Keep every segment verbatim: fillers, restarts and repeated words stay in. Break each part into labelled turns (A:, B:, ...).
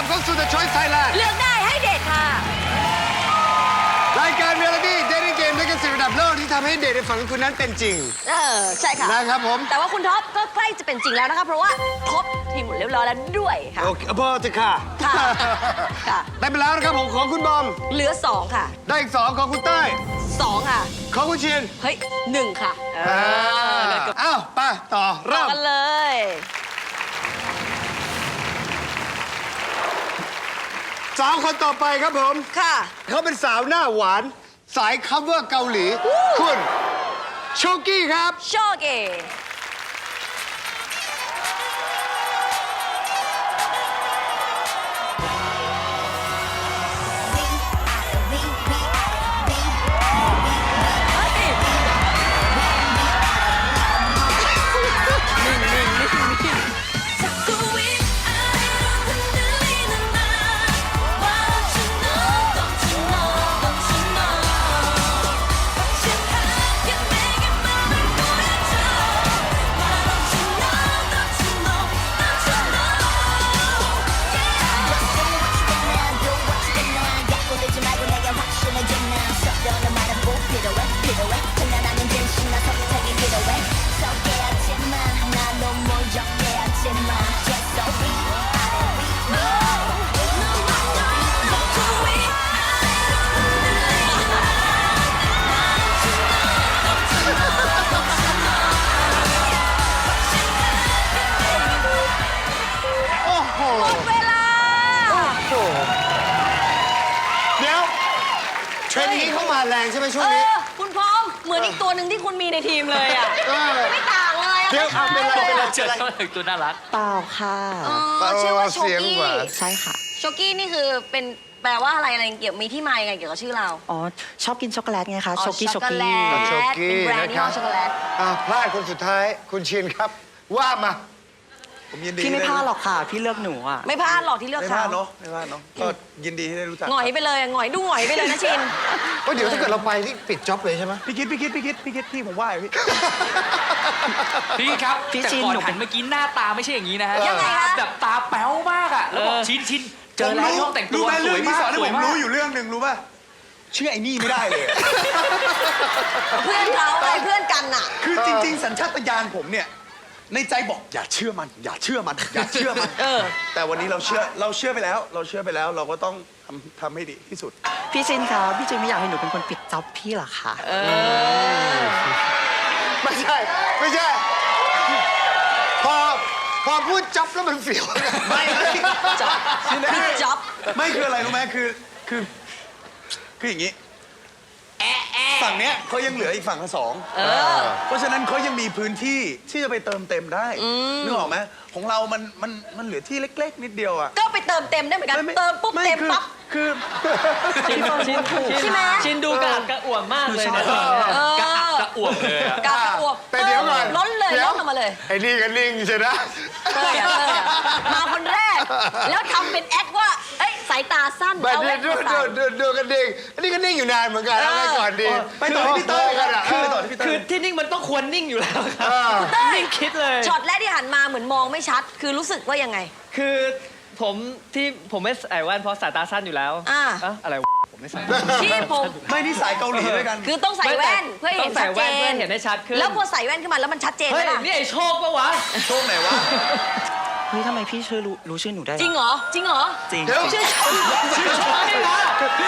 A: เข้าสู่ The Choice Thailand
B: เลือกได้ให้เด็ดค่ะ
A: รายการเรียลลิตี้เดทติ้งเกมด้วยกันสิระดับโลกที่ทำให้เดทในฝันของคุณนั้นเป็นจริง
B: เออ ใช่ค่ะ
A: นะครับผม
B: แต่ว่าคุณท็อปก็ใกล้จะเป็นจริงแล้วนะคะ เพราะว่าครบทีมหมดเรียบร้อยแล้วด้วยค่ะ
A: โอเคพอจะค่ะ
B: ค่ะค่ะ
A: ได้ไปแล้วนะครับผมของคุณบอม
B: เหลือสองค่ะ
A: ได้อีกสองของคุณเต้ย
B: สองค่ะ
A: ของคุณเชียน
B: เฮ้ยหนึ่งค่ะ เออเดี๋ยวกด
A: อ้าวไปต่อ
B: ต่อ
A: เริ่ม
B: กันเลย
A: สาวคนต่อไปครับผม
B: ค่ะ
A: เขาเป็นสาวหน้าหวาน สายคัฟเวอร์เกาหลี คุณโชกี้ครับ
B: โชเก
A: โอ้โห
B: หมดเวลา
A: โอ้โห เดี๋ยวเทรนด์นี้เข้ามาแรงใช่ไหมช่ว
B: เอง
A: นี้
B: อ คุณพร้อม เหมือนอีกตัวหนึ่งที่คุณมีในทีมเลยอ่ะ
A: เออ
B: ไม่ต่างเลยอะ
A: เดี๋ยว
B: คล้ายๆ
A: เป็นไรเป็นไร
B: ลยอะ
C: เจอเจ้าหนึ่งตัวน่ารัก
D: เปล่าค่ะ
B: เออชื่อว่าโช
A: เสียง
B: กี้
A: กว่า
D: ใช่ค่ะ
B: โชกี้นี่คือเป็นแปลว่าอะไรอะไรเกี่ยวมีที่มายังไงเกี่ยวกับชื่อเรา
D: อ๋อ ชอบกินช็อกโกแลตไงคะ
B: อ๋อ
D: โชกี้โช
B: ช็อกโก
D: กี้
B: แลต
A: โชกี้
B: เป็นแบรนด์
A: นะ
B: ยี่
A: ครั
B: ห้อบ ช็อกโกแลต
A: อ่ะพลาดคนสุดท้ายคุณเชียนครับ ว่ามา
E: ผมยินดี
D: พี่ไม่พลาดหรอกค่ะ พี่เลือกหนูอ่ะ
B: ไม่พลาดหรอกที่เลือก
E: ไม่พลา
B: เขา
E: ดเนาะไม่พลาดเนาะก็ยินดีที่ได้รู้จัก
B: หงอยไปเลยหงอยดูหงอยไปเลยนะชิน
A: เฮ้ยเดี๋ยวถ้าเกิดเราไปนี่ปิดจ็อบเลยใช่ไหม
E: พี่คิดพี่คิดพี่คิดพี่คิดพี่ผมว่าอยู่พี่
C: พี่ครับ
D: พี่
C: แต่
D: ชิน
C: ก่อน
D: หนู
C: หันเมื่อกี้หน้าตาไม่ใช่อย่างนี้นะฮะ
B: ยังไงคะ
C: แบบตาแป๊วมากอ่ะ แล้วบอกชินชินเจอแล้วห้องแต่งตัว
E: รู้ไหม
C: ส
E: เรื่
C: ว
E: อย ง
C: มา
E: นี้
C: ก
E: สอนให้
C: ส
E: ผ
C: วย
E: ม
C: มาก
E: รู้อยู่เรื่องหนึ่งรู้ป่ะเชื่อไอ้นี่ไม่ได้เลย
B: เพื่อนเขาไงเพื่อนกันน่ะ
E: คือจริง ๆ สัญชาตญาณผมเนี่ยในใจบอกอย่าเชื่อมัน อย่าเชื่อมัน อย่าเชื่อมัน
B: เออ
E: แต่วันนี้เราเชื่อเราเชื่อไปแล้ว เราเชื่อไปแล้วเราก็ต้องทำทำให้ดีที่สุด
D: พี่ชินคะพี่จินไม่อยากให้หนูเป็นคนปิดจ็อบพี่หรอคะ
A: ไม่ใช่ ไม่ใช่ พอพอพูดจ็อบแล้วมันเสียว
E: ไม่ไม่
B: จ็อบพี่จ็อบ
E: ไม่คืออะไรรู้ไหมคือคือคืออย่างนี้ฝั่งเนี้ยเขายังเหลืออีกฝั่งละสอง
B: เออ
E: เพราะฉะนั้นเขายังมีพื้นที่ที่จะไปเติมเต็มได้นึกออกไหมของเรามันมันมันเหลือที่เล็ก ๆ นิดเดียวอะ
B: ก็ไปเติมเต็มได้เหมือนกัน
E: ไไ
B: เติมปุ๊บ
E: ไ
B: เต็ม
E: คือ
B: ปั๊บ
E: คือ
D: ชินชินถูก
B: ใช่ไหม
C: ชินดูกระอักกระอ่วมมากเลยนะ
B: เออก
C: ระอักกระอ่วมเลยอะ
B: กากระอวบ
A: แต่เดี๋ยวก่อน
B: ล้นเลย
A: ดี๋
B: ล้นออกมาเลย
A: ไอ้นี่ก็นิ่งใช่ไหม
B: เต้ยอะเต้ยอะมาคนแรก แล้วทำเป็นแอคว่า เอ้ยสายตาสั้น
A: แบบ
B: เอา
A: ดู
B: แว่น
A: ดู
B: มาใส่
A: ดูดูดูกันนิ่งอันนี้ก็นิ่งอยู่นานเหมือนกันแล้วไงก่อนดี
E: ไปต่อที่พี่เต้ย
A: กันอ่ะ
E: คือไปต่อที่พี่เต้
C: คือย ที่นิ่งมันต้องควรนิ่งอยู่แล้วครับ
A: เออ
B: เต้ย
C: นิ่งคิดเลย
B: ช็อตแรกที่หันมาเหมือนมองไม่ชัด คือรู้สึกว่ายังไง
F: คือผมที่ผมไม่ใส่แว่นเพราะสายตาสั้นอยู่แล้ว
B: อ่า
F: เอ้าอะไรวะผมไม่ใส่
B: ที่ผม
E: ไม่ที่สายเกาหลีด้วยกัน
B: คือต้องใส่แว่นเพื่อให้
F: ต้
B: เห็
F: อน ง
B: ชั
F: ใส่
B: ดเจ
F: แว่นเพื่อน เห็นได้ชัดขึ้น
B: แล้วพอใส่แว่นขึ้นมาแล้วมันชัดเจน
F: เฮ้
B: ไหม
F: ย
B: ล่ะ
F: นี่ไอ้โชคปะวะ
E: โชคไหนวะ
D: เฮ้ยทำไมพี่ชื่อรู้รู้ชื่อหนูได้
B: จริงเหรอ จริงเหรอ
D: จริง
A: เดี๋ยว
B: ชื่อ
C: ชื่อโชคนี่นะ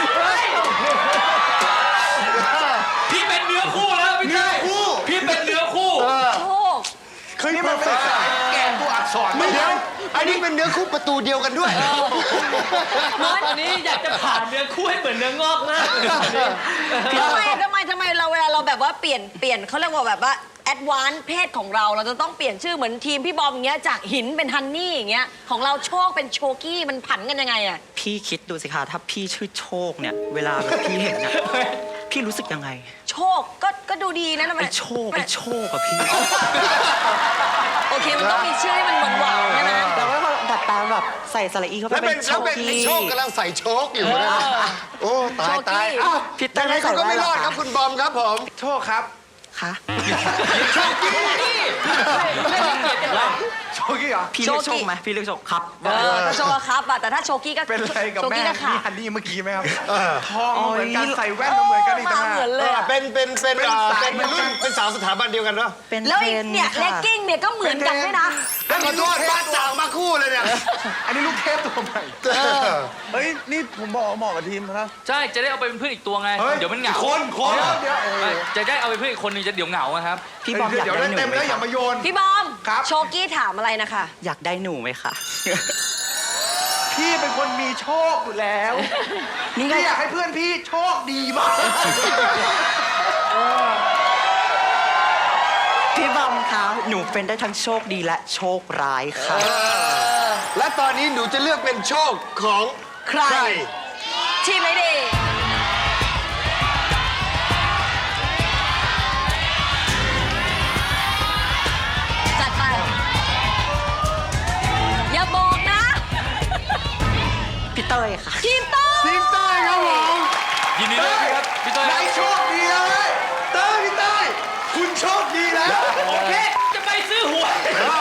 C: พี่เป็นเนื้อคู่แล้วพี่เต้ยพี่เป็นเนื้อคู่
B: โชค
E: เคยนี่มันเป็นสายแกนตัวอักษร
A: ไม่เดี๋ยวอันนี้เป็นเนื้อคู่ประตูเดียวกันด้วย
F: ตอนนี้อยากจะผ่านเนื้อคู่ให้เหมือนเนื้องอกมาก
B: ทำไมทำไมทำไมเราเวลาเราแบบว่าเปลี่ยนเปลี่ยนเขาเรียกว่าแบบว่าแอดวานซ์เพศของเราเราจะต้องเปลี่ยนชื่อเหมือนทีมพี่บอมอย่างเงี้ยจากหินเป็นฮันนี่อย่างเงี้ยของเราโชคเป็นโชกี้มันผันกันยังไงอะ
D: พี่คิดดูสิคะถ้าพี่ชื่อโชคเนี่ย เวลาแบบพี่เห็นเนี่ยพี่รู้สึกยังไง
B: โชคก็ก็ดูดีนะทำไม
D: ไอ้โชคไอ้โชคอะพี่
B: โอเคมันต้องมีชื่อให้มันหวานหวานๆใช่ไหม
D: แต่ว่าพอดัดแปลงแบบใส่สระอีเข้าไป
A: แล้วเป็น
D: เป็นโช
A: แล้ว
D: ค
A: เป็นไอ้
D: กี้
A: โชคกำลังใส่โชคอยู่นะโอ้ตายตายอ้าว
D: พี่เต้ย
A: ยังไง
D: ไม่ใส่
A: คุณก็ไม่
D: แว่น
A: รอด
D: เหรอ
A: ครับคุณบอมครับผม
E: โชคครับ
D: คะ
A: โชคกี้
E: โชโชกี้เหรอ
D: พี่เลือก
B: โช
D: โช
B: กี้
D: คไหมพี่เลือกโชคครับ
B: เออถ้าโชว์ครับอะแต่ถ้าโชกี้ก็
E: เป็นไรกับ
B: โช
E: แม่
B: กี้ก็ขา
E: นี่
B: ด
E: ฮันนี่เมื่อกี้ไหมครับ
A: เออ
E: ทองเหมือนกันใส่แว่นก็เหมือนกันอีก
B: มา
E: ต่างหาก
B: เหมือนเลยอะ
A: เป็นเป็นเป็น
E: เป็น
A: เอ่อ
E: สาย
A: เป็นรุ่นเป็นสาวสถาบันเดียวกันเนาะ
D: เป็น
B: แล้ว
D: เท
B: อี
D: ร
B: ก
D: น
B: เนี่ยเล
D: ค่ะ
B: กกิ้งเนี่ยก็เหมือนกันด้วยนะ
A: แล้วขอโทษบ้านจากมาคู่เลยเนี่ย
E: อันนี้ลูกเทพตัวใหม่ เฮ้ย นี่ผมบอกว่าเหมาะกับทีมนะ
C: ใช่จะได้เอาไปเป็นเพื่อนอีกตัวไง
E: เฮ้ย
C: เดี๋ยวมันเหงา
E: คนคน
C: เดี๋ยว
E: เดี๋ยวโอ้โห
C: จะได้เอาไปเพื่อนอีกคนนึงจะเดี๋ยวเหงาอะครับ
D: พี่บอมอยาก
E: เดี๋ยว
D: ได้
E: ได้
D: หนู
E: เต็ม
D: ไหม
E: แล้วอ
D: ครั
E: ย่า
D: บ
E: มาโยน
B: พี่บอม
E: ครับ
B: โชกี้ถามอะไรนะคะ
D: อยากได้หนูไหมคะ
E: พี่เป็นคนมีโชคอยู่แล้ว
D: นี่ไง
E: พี่อยากให้เพื่อนพี่โชคดีมาก
D: พี่บอมคะหนูเป็นได้ทั้งโชคดีและโชคร้ายค่ะ
A: และตอนนี้หนูจะเลือกเป็นโชคของใคร
B: ทีมไหนดี จัดไป อย่าบอกนะ
D: พี่เต้ยค่ะ
B: ทีมโต้
A: ทีมใต้ครับผม
C: ยินดีด้วยครับพี่ต้อย
E: นายโชคดีเลยเต้ยพี่เต้ยคุณโชคดีแล้ว
C: โอเคจะไปซื้อหวย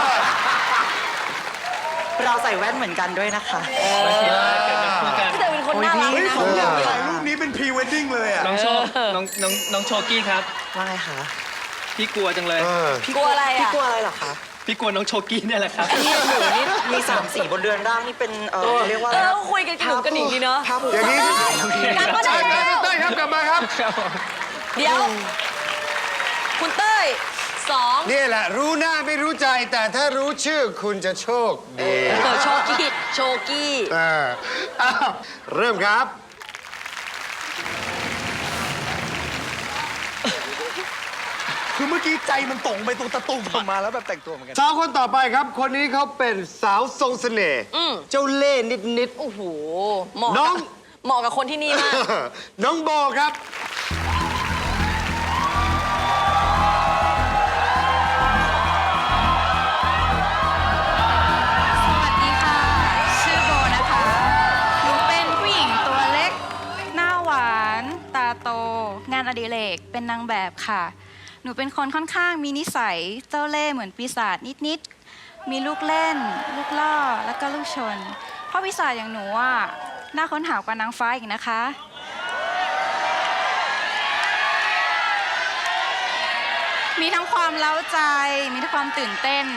D: เราใส่แว่นเหมือนกันด้วยนะคะ
B: พี่เตยเป็นคนน่ารัก
E: เฮ้ย
B: นะ
E: ผมอยากถ่ายรูปนี้เป็นพรีเวดดิ้งเลยอ่ะ
F: น้องโชคน้องน้องน้องโชกี้ครับ
D: ว่าไงคะ
F: พี่กลัวจังเลย
A: เออ
B: กลัวอะไร
D: พี่
B: อ่ะ
D: กลัวอะไรเหรอคะ
F: พี่กลัวน้องโชกี้เนี่ยแหละครับ
D: นี่หนูนี่มีสามสีบนเรือนร่างนี่เป็นเออเรียกว่า
B: เอ
D: อะไร
B: อ
D: นะ
B: คุยกันกระหนุกกระหนิงดีเนาะ
D: ภาพภูมิ
A: อย่างนี้
B: กลับมาได้
A: ใช่
B: แล้ว
A: เต้ยครับกลับมาครับ
B: เดี๋ยว คุณเต้ยสอง
A: นี่แหละ รู้หน้าไม่รู้ใจ แต่ถ้ารู้ชื่อคุณจะโชคดี
B: เออโชกี้โชกี้
A: เอออ้าวเริ่มครับ
E: คือเมื่อกี้ใจมันตรงไปตรงตะตุ่มออกมาแล้วแบบแต่งตัวเหมือนกัน
A: สาวคนต่อไปครับ คนนี้เขาเป็นสาวทรงเสน่ห์
B: อืม
A: เจ้าเล่ห์นิด
B: โอ้โห เหมาะ
A: น้
B: กั
A: อบ ง
B: เหมาะกับคนที่นี่มาก
A: ๆ น้องโบครับ
G: สวัสดีค่ะ ชื่อโบนะคะ หนูเป็นผู้หญิงตัวเล็ก หน้าหวาน ตาโต งานอดิเรก เป็นนางแบบค่ะ หนูเป็นคนค่อนข้างมีนิสัยเจ้าเล่ห์เหมือนปีศาจนิดๆ มีลูกเล่น ลูกล่อ แล้วก็ลูกชน เพราะปีศาจอย่างหนูอ่ะ น่าค้นหากว่านางฟ้าอีกนะคะ มีทั้งความเล้าใจ มีทั้งความตื่นเต้น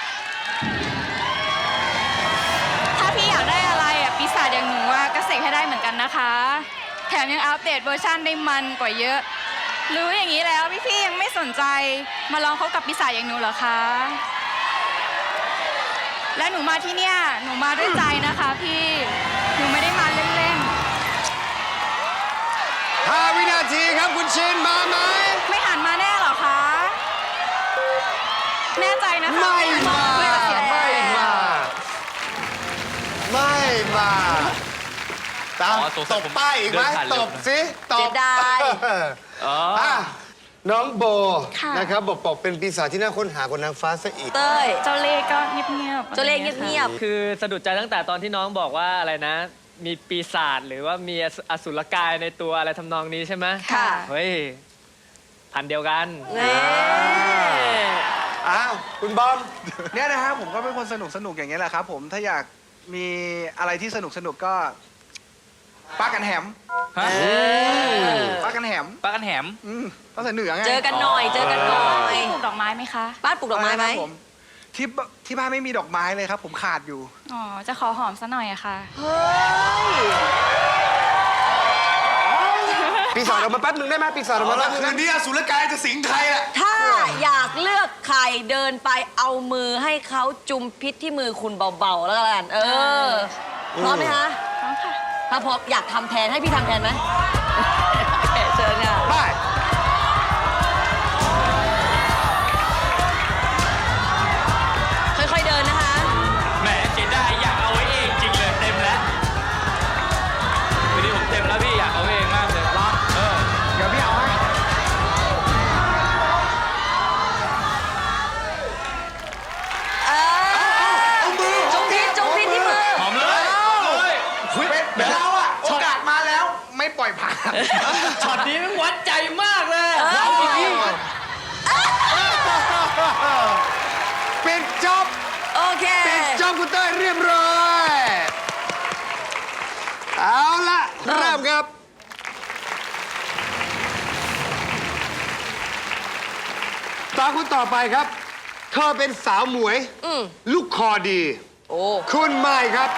G: ถ้าพี่อยากได้อะไรอ่ะปีศาจอย่างหนูอ่ะก็เสกให้ได้เหมือนกันนะคะ แถมยังอัปเดตเวอร์ชันได้มันกว่าเยอะ รู้อย่างนี้แล้วพี่ๆยังไม่สนใจมาลองคบกับปีศาจอย่างหนูเหรอคะ และหนูมาที่เนี่ยหนูมาด้วยใจนะคะพี่ หนูไม่ได้มาเล่น
A: ห้าวินาทีครับคุณชินมาไหม
G: ๆ ไม่หันมาแน่เหรอคะ แน่ใจนะคะ
A: ไม่มา
G: ไม่เสีย
A: ไม่มา ไม่มาตาม
C: อ๋อสงสั
A: ต
C: ย
A: บ
C: ผม
A: ป้ายอีกไหม
C: เดินผ่านเร็
A: ต
C: ว
A: บ
C: นะ
A: สิตบ
B: เสียดาย
C: อ๋อ
A: อ่ะน้องโบ
G: ค่ะ
A: นะครับบอกบอกเป็นปีศาจที่น่าค้นหากว่านางฟ้าซะอีก
B: เต้ย
G: เจ้าเล่ห์ก็เงียบๆ
B: เจ้าเล่ห์เงียบ
F: คือสะดุดใจตั้งแต่ตอนที่น้องบอกว่าอะไรนะ มีปีศาจหรือว่ามีอสุรกายในตัวอะไรทำนองนี้ใช่ไหม
B: ค่ะ
F: เฮ้ย พันเดียวกัน
B: ๆนี่
A: อ้าว คุณบอม
E: เนี่ยนะฮะผมก็เป็นคนสนุกสนุกอย่างเงี้ยแหละครับผมถ้าอยากมีอะไรที่สนุกสนุกก็ป้ากันแหม
C: ฮะ
E: ป้ากันแหม
C: ปลากันแหม
E: อืมต้องใส่เหนือไง
B: เจอกันหน่อย เจอกันหน่อย
G: ปลูกดอกไม้ไหมคะ
B: บ้านปลูกดอกไม้ไหม
E: ครับผมที่บที่บ้านไม่มีดอกไม้เลยครับ ผมขาดอยู่
G: อ๋อ จะขอหอมซะหน่อยอะค่ะ
B: เฮ้ย
A: ปีศาจออกมาแป๊บหนึ่งได้ไหมปีศาจออกมาแป๊บหนึง
E: คื
A: ได้
E: น
A: ไหม
E: นี้อสุรกายจะสิงใครอ่ะ
B: ถ้าอยากเลือกใครเดินไปเอามือให้เขาจุมพิษที่มือคุณเบาๆ แล้วกัน เออ พร้อมไหมคะ
G: พร้อมค่ะ
B: ถ้าพร้อมอยากทำแทนให้พี่ทำแทนไหม โอเคเชิญค่ะ
A: ได้
B: ค่อยๆเดินนะคะ
C: แหมเสียดายอยากเอาไว้เองจริงเลยเต็มแล้ววันนี้ผมเต็มแล้วพี่อยากเอาไว้เองมากเลยเออ
E: เดี๋ยวพี่เอาให้
B: เออจุมพิษจุมพิษที่มือ
C: หอมเลยเลย
E: เดี๋ยวเราอ่ะโอกาสมาแล้วไม่ปล่อยผ่าน
F: ช็อตนี้มันวัดใจมากเลย
A: ปิดจบ
B: โอเค
A: ปิดจอบคุณเต้ยเรียบร้อย เอาละเริ่มครับ ตาคุณต่อไปครับ เธอเป็นสาวหมวย
B: อืม
A: ลูกคอดี
B: โอ้
A: คุณไม่ครับ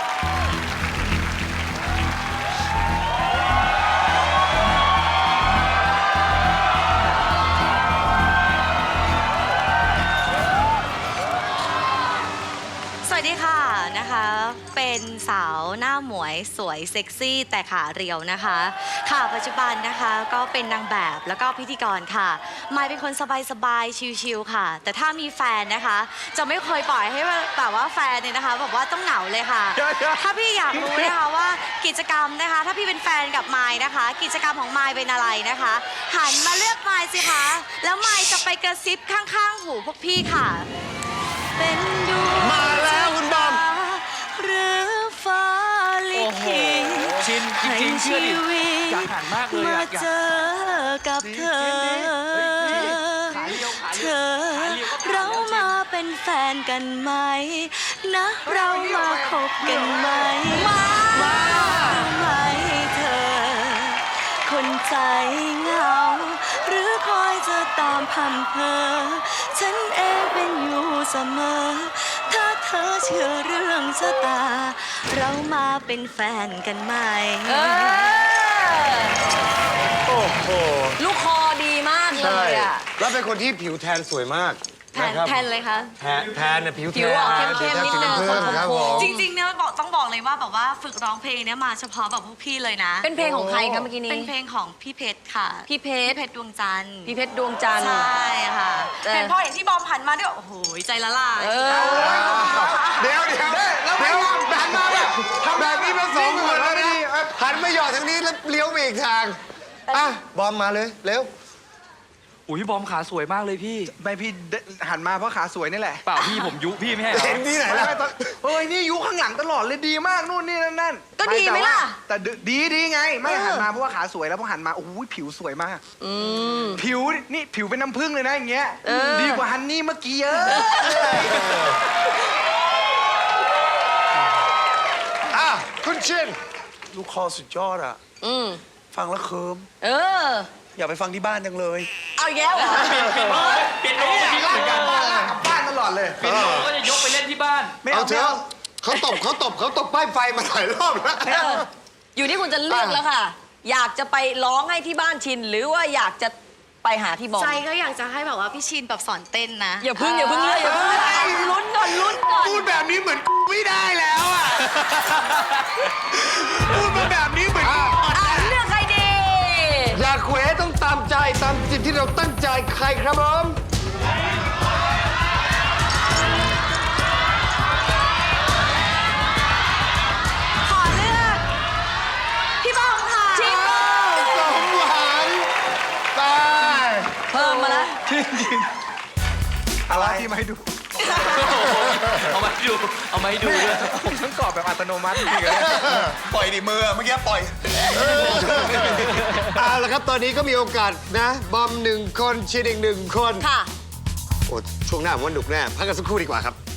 H: สวัสดีค่ะนะคะ เป็นสาวหน้าหมวยสวยเซ็กซี่แต่ขาเรียวนะคะ ค่ะปัจจุบันนะคะก็เป็นนางแบบแล้วก็พิธีกรค่ะมายเป็นคนสบายๆชิลๆค่ะ แต่ถ้ามีแฟนนะคะ จะไม่เคยปล่อยให้แบบว่าแฟนเนี่ยนะคะแบบว่าต้องเหงาเลยค่ะ ถ้าพี่อยากรู้นะคะว่ากิจกรรมนะคะ ถ้าพี่เป็นแฟนกับมายนะคะ กิจกรรมของมายเป็นอะไรนะคะ หันมาเลือกมายสิคะแล้วมายจะไปกระซิบข้างๆหูพวกพี่ค่ะ เป็นดวง
A: มาแล้วคุณบอม
H: หรือฟ้าลิขิต
C: ชินจริงๆเชื่อดิ
H: ให้ชีวิต
C: อยากหันมากเลย
H: มา
C: อะอยาก
H: เจอกับเธอ เธอ เรามาเป็นแฟนกันไหม นะ เรามาคบกันไหม มาไหมเธอ คนใจเหงา หรือคอยจะตามพันเพอ ฉันเองเป็นอยู่เสมอ ถ้าเธอเชื่อเรื่องชะตา เรามาเป็นแฟนกันไหม
B: เออ
A: โอ้โห
B: ลูกคอดีมากเลยอ่ะ
A: แล้วเป็นคนที่ผิวแทนสวยมาก
H: แทน
A: ครับ
H: แทนเลยคะ
A: แทนแทนเนี่ยผิวแทน
B: ผิวออกเข้มๆนิดนึง
A: ผิวแทนสีน้ำผึ้งครับผม
H: จริงๆเนี่ยบอกต้องบอกเลยว่าแบบว่าฝึกร้องเพลงเนี่ยมาเฉพาะแบบพวกพี่เลยนะ
B: เป็นเพลงของใครคะเมื่อกี้นี้
H: เป็นเพลงของพี่เพชรค่ะ
B: พี่เพ
H: พี่
B: ชร
H: เพชรดวงจันทร์
B: พี่เพชรดวงจันทร์
H: ใช่ค่ะ
B: เออ
H: เห็นพอเห็นที่บอมหันมาด้วยโอ้โหใจละลาย
B: เออ
A: เดี๋ยวเดี๋ยวเดี๋ยวหันมาแบบแบบนี้มาสองคนแล้วนะหันมาหยอดทางนี้แล้วเลี้ยวไปอีกทาง อ่ะ บอมมาเลย เร็ว
C: อุ้ยบอมขาสวยมากเลยพี่
E: ไม่พี่หันมาเพราะขาสวยนี่แหละ
C: เปล่าพี่ผมยุพี่ไม่ให้เหรอ
A: เห็นที่ไหนล่ะ
E: ไม่ตอนเฮ้ยนี่ยุข้างหลังตลอดเลยดีมากนู่นนี่นั่นนั่น
B: ก็ดีไหมล่ะ
E: แต่ดีดีไง ไม่
B: เออ
E: หันมาเพราะว่าขาสวยแล้วพอหันมาโอ้โหผิวสวยมาก
B: อืม
E: ผิวนี่ผิวเป็นน้ำผึ้งเลยนะอย่างเงี้ย
B: เออ
E: ดีกว่าฮันนี่เมื่อกี้เยอะ
A: อ่ะ คุณชิน
E: ลูกคอสุดยอดอะ
B: อืม
E: ฟังแล้วเคิม
B: เออ
E: อยากไปฟังที่บ้านจังเลย
B: เอาอีกแล้วเหรอ
C: เปียโน
E: ไอ้
C: ก็
E: เนี่ย
C: ทิ้ง
E: ลาก
C: เหมือน
E: ก
C: กั
E: ลั
C: น
E: บบ้านลากกลับบ้านตลอดเลย
C: เปียโนก็จะยกไปเล่นที่บ้าน
E: ไม่
A: เอา
E: เอา
A: เถ
E: ไม่
A: อะ
E: เอา
A: เขาตบเขาตบเขาตบป้ายไฟมาหลายรอบแล้ว
B: เอออยู่ที่คุณจะเลือกแล้วค่ะ อยากจะไปร้องให้ที่บ้านชิน หรือว่าอยากจะไปหาที่บอม
H: ใจก็อยากจะให้แบบว่าพี่ชินแบบสอนเต้นนะ
B: อย่าพึ่งอย่าพึ่งเลือกอย่าพึ่งเลือกเอาลุ้นก่อนลุ้นก่อน
A: พูดแบบนี้เหมือนไม่ได้แล้วอ่ะ พูดมาแบบนี้เหมือน
B: อ่ะเลือกใครดี
A: อยากเขวต้องตามใจตามสิ่งที่เราตั้งใจใครครับผม
H: ขอเลือก พี่บอมค่ะ
B: ชิน
A: สมหวังตาย
B: เพิ่มมาแล้ว
E: อะไรที่มาให้ดู
C: เอามาให้ดู เอามาให้ดูด้วย
E: ผมทั้งกรอบแบบอัตโนมัติจริงๆเลยปล่อยดิมือเมื่อกี้ปล่อย
A: เอาละครับ ตอนนี้ก็มีโอกาสนะ บอมหนึ่งคนชินอีกหนึ่งคน
B: ค่ะ
A: โอ้ช่วงหน้าผมว่าหนุกแน่ พักกันสักครู่ดีกว่าครับ